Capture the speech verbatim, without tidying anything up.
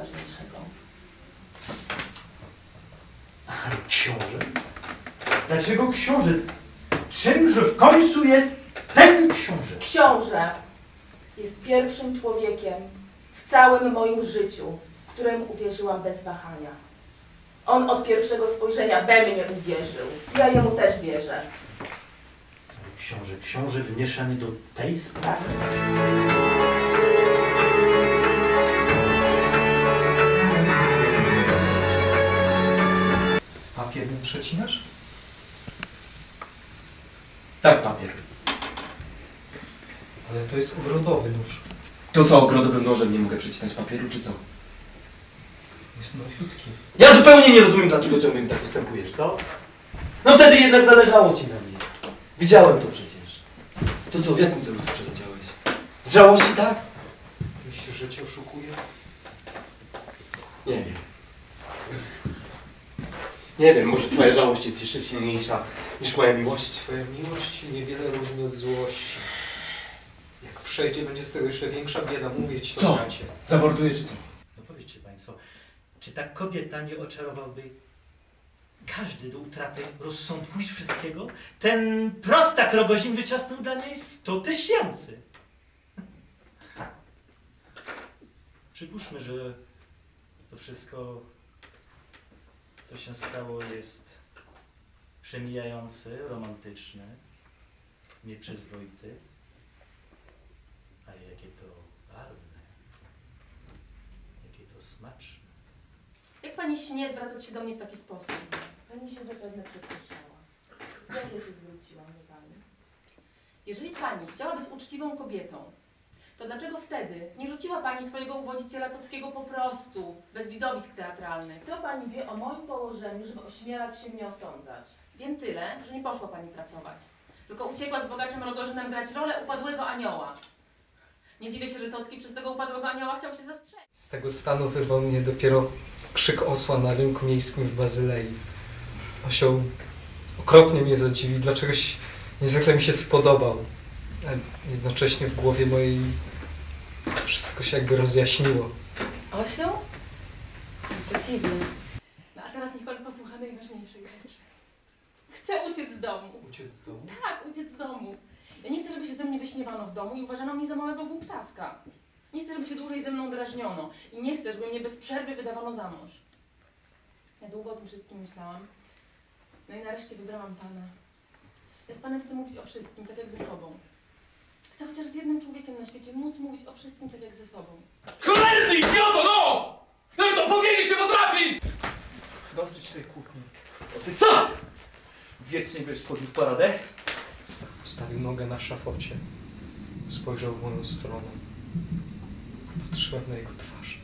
ważniejszego. Ale książę? Dlaczego książę? Czymże w końcu jest ten książę? Książę jest pierwszym człowiekiem w całym moim życiu, któremu uwierzyłam bez wahania. On od pierwszego spojrzenia we mnie uwierzył. Ja jemu też wierzę. Książę, książę wmieszany do tej sprawy? Papier mi przecinasz? Tak, papier. Ale to jest ogrodowy nóż. To co, ogrodowym nożem nie mogę przecinać papieru, czy co? Jest nowiutki. Ja zupełnie nie rozumiem, dlaczego ciągle mi tak postępujesz, co? No wtedy jednak zależało ci na mnie. Widziałem to przecież. To co, w jakim celu tu przeleciałeś? Z żałości, tak? Myślisz, że cię oszukuję? Nie wiem. Nie wiem, może twoja żałość jest jeszcze silniejsza niż moja miłość. Twoja miłość niewiele różni od złości. Jak przejdzie, będzie z tego jeszcze większa bieda. Mówię ci to, Co? bracie. Zamorduję, czy co? No powiedzcie państwo, czy ta kobieta nie oczarowałby każdy do utraty rozsądku i wszystkiego? Ten prostak Rogozin wyciasnął dla niej sto tysięcy. Przypuśćmy, że to wszystko, co się stało, jest przemijające, romantyczne, nieprzyzwoite, ale jakie to barwne, jakie to smaczne. Jak pani śmie zwracać się do mnie w taki sposób? Pani się zapewne przesłyszała. Jak ja się zwróciłam do pani? Jeżeli pani chciała być uczciwą kobietą, to dlaczego wtedy nie rzuciła pani swojego uwodziciela Tockiego po prostu, bez widowisk teatralnych? Co pani wie o moim położeniu, żeby ośmielać się mnie osądzać? Wiem tyle, że nie poszła pani pracować, tylko uciekła z bogaczem Rogozinem grać rolę upadłego anioła. Nie dziwię się, że Tocki przez tego upadłego anioła chciał się zastrzelić. Z tego stanu wyrwał mnie dopiero krzyk osła na rynku miejskim w Bazylei. Osioł okropnie mnie zadziwił, dlaczegoś niezwykle mi się spodobał. A jednocześnie w głowie mojej wszystko się jakby rozjaśniło. Osioł? To dziwne. No a teraz niech pan posłucha najważniejszej rzeczy. Chcę uciec z domu. Uciec z domu? Tak, uciec z domu. Ja nie chcę, żeby się ze mnie wyśmiewano w domu i uważano mnie za małego głuptaska. Nie chcę, żeby się dłużej ze mną drażniono. I nie chcę, żeby mnie bez przerwy wydawano za mąż. Ja długo o tym wszystkim myślałam. No i nareszcie wybrałam pana. Ja z panem chcę mówić o wszystkim, tak jak ze sobą. Chcę chociaż z jednym człowiekiem na świecie móc mówić o wszystkim, tak jak ze sobą. Cholerny idioto, no! Nawet opowiedzieć nie potrafisz! Dosyć tej kłótni. O ty co? Wiecznie będziesz wchodził w paradę? Postawił nogę na szafocie. Spojrzał w moją stronę. Patrzyłem na jego twarz.